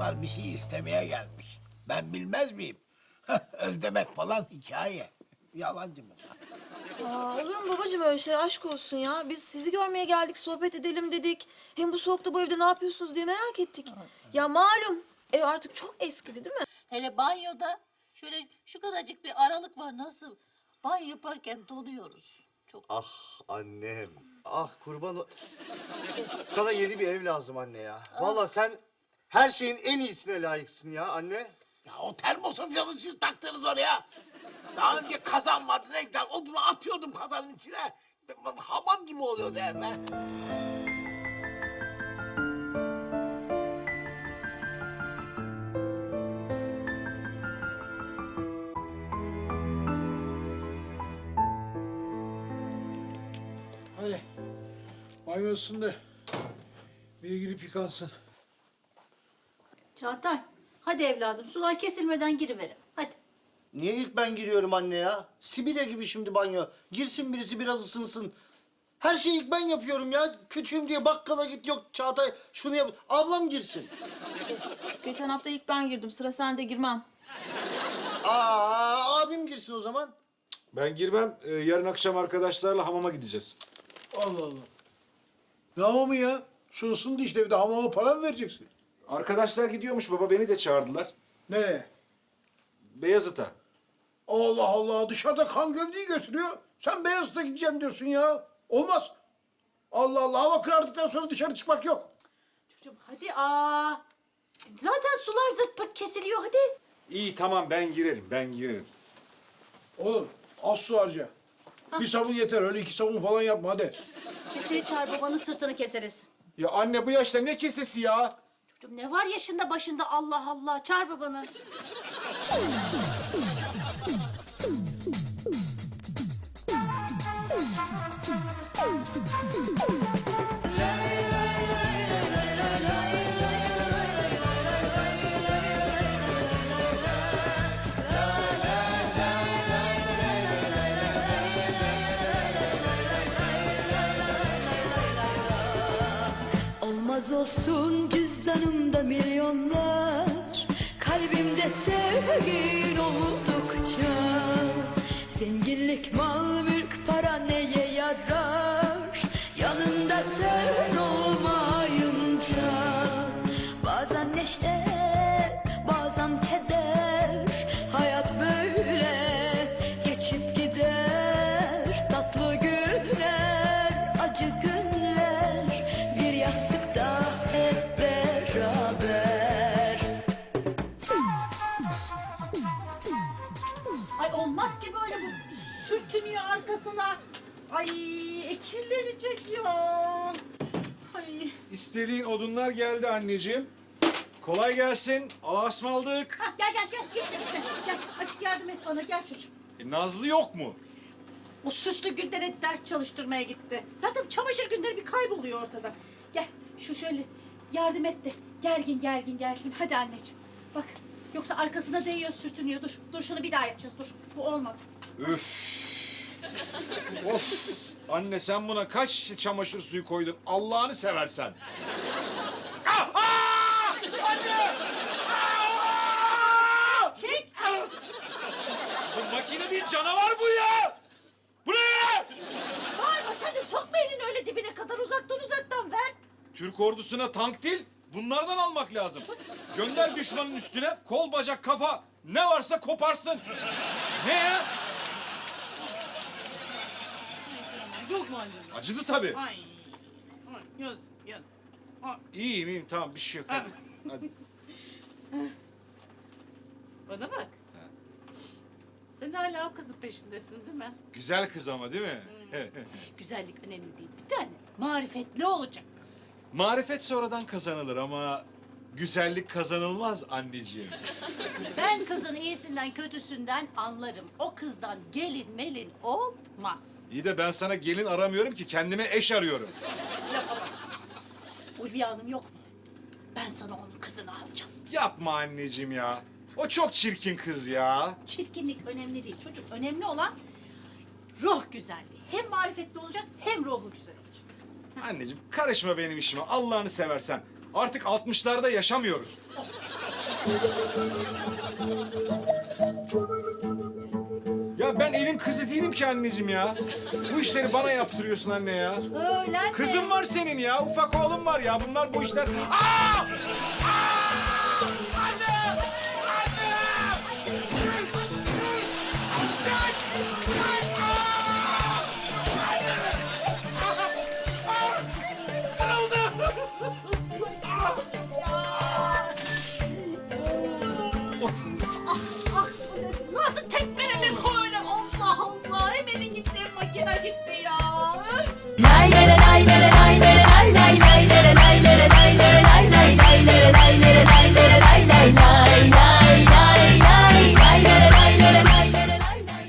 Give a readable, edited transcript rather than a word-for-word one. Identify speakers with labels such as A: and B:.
A: Masar bir şey istemeye gelmiş. Ben bilmez miyim? Özlemek falan hikaye. Yalancı mı?
B: Aa, olur mu babacığım öyle şey? Aşk olsun ya. Biz sizi görmeye geldik, sohbet edelim dedik. Hem bu soğukta bu evde ne yapıyorsunuz diye merak ettik. Ya malum ev artık çok eskidi değil mi?
C: Hele banyoda şöyle şu kadarcık bir aralık var nasıl? Banyo yaparken donuyoruz. Çok.
D: Ah annem. Ah kurban Sana yeni bir ev lazım anne ya. Vallahi sen her şeyin en iyisine layıksın ya anne.
A: Ya o termosofyanı siz taktınız oraya. Daha önce kazan vardı ne güzel. Odunu atıyordum kazanın içine. Hamam gibi oluyordu ev be.
E: Hadi. Banyosun da bir gidip yıkansın.
C: Çağatay hadi evladım sular kesilmeden giriverin. Hadi.
D: Niye ilk ben giriyorum anne ya? Sibirya gibi şimdi banyo. Girsin birisi biraz ısınsın. Her şeyi ilk ben yapıyorum ya. Küçüğüm diye bakkala git yok Çağatay şunu yap. Ablam girsin.
B: Geçen hafta ilk ben girdim. Sıra sende, girmem.
D: Abim girsin o zaman.
F: Ben girmem. Yarın akşam arkadaşlarla hamama gideceğiz.
E: Allah Allah. Ne hamamı ya? Su ısındı işte, bir de hamama para mı vereceksin?
F: Arkadaşlar gidiyormuş baba. Beni de çağırdılar.
E: Nereye?
F: Beyazıt'a.
E: Allah Allah, dışarıda kan gövdeyi götürüyor. Sen Beyazıt'a gideceğim diyorsun ya. Olmaz. Allah Allah, hava karardıktan sonra dışarı çıkmak yok.
C: Çocuğum hadi Zaten sular zırt pırt kesiliyor hadi.
F: İyi tamam ben girerim. Ben girerim.
E: Oğlum az su harca. Bir sabun yeter, öyle 2 sabun falan yapma hadi.
C: Keseri çağır babanın sırtını keseriz.
F: Ya anne bu yaşta ne kesesi ya?
C: Çocuğum ne var yaşında başında Allah Allah çağır babanı.
G: Olmaz olsun cüzdanımda milyonlar, kalbimde sevgin oldukça. Zenginlik, mal, mülk, para neye yarar, yanında sen olmayınca. Bazen neşe, bazen keder, hayat böyle geçip gider. Tatlı günler, acı günler, bir yastıkta hep beraber.
C: Ay olmaz ki böyle bu sürtünüyor arkasına. Ay kirlenecek ya. Ay.
F: İstediğin odunlar geldi anneciğim. Kolay gelsin. Allah'a ısmarladık.
C: Hah, gel. Gel açık yardım et bana gel çocuğum.
F: Nazlı yok mu?
C: O süslü Gülden'e ders çalıştırmaya gitti. Zaten çamaşır günleri bir kayboluyor ortada. Gel şu şöyle yardım et de gergin gelsin. Hadi anneciğim. Bak yoksa arkasına değiyor sürtünüyor. Dur şunu bir daha yapacağız dur. Bu olmadı.
F: Üf. Of. Anne sen buna kaç şişe çamaşır suyu koydun? Allah'ını seversen.
C: Çek.
F: Bu makine değil canavar bu ya. Bu ne ya?
C: Bağırma sen de sokma elini öyle dibine kadar uzaktan ver.
F: Türk ordusuna tank değil, bunlardan almak lazım. Gönder düşmanın üstüne, kol, bacak, kafa ne varsa koparsın. Ne ya?
H: Yok mu anneciğim?
F: Acıdı tabii.
H: Ay. Ay, yaz.
F: İyiyim, tamam bir şey yok hadi. Hadi.
H: Bana bak. Sen hala o kızın peşindesin değil mi?
F: Güzel kız ama değil mi?
H: Güzellik önemli değil. Bir tane marifetli olacak.
F: Marifet sonradan kazanılır ama güzellik kazanılmaz anneciğim.
C: Ben kızın iyisinden kötüsünden anlarım. O kızdan gelin melin olmaz.
F: İyi de ben sana gelin aramıyorum ki kendime eş arıyorum.
C: Ulviye Hanım yok mu? Ben sana onun kızını alacağım.
F: Yapma anneciğim ya. O çok çirkin kız ya.
C: Çirkinlik önemli değil çocuk. Önemli olan ruh güzelliği. Hem marifetli olacak hem ruhu güzel olacak.
F: Anneciğim karışma benim işime Allah'ını seversen. Artık 60'larda yaşamıyoruz. Ya ben evin kızı değilim ki anneciğim ya. Bu işleri bana yaptırıyorsun anne ya.
C: Öyle anne.
F: Kızım var senin ya, ufak oğlum var ya. Bunlar bu işler... Aa! Aa!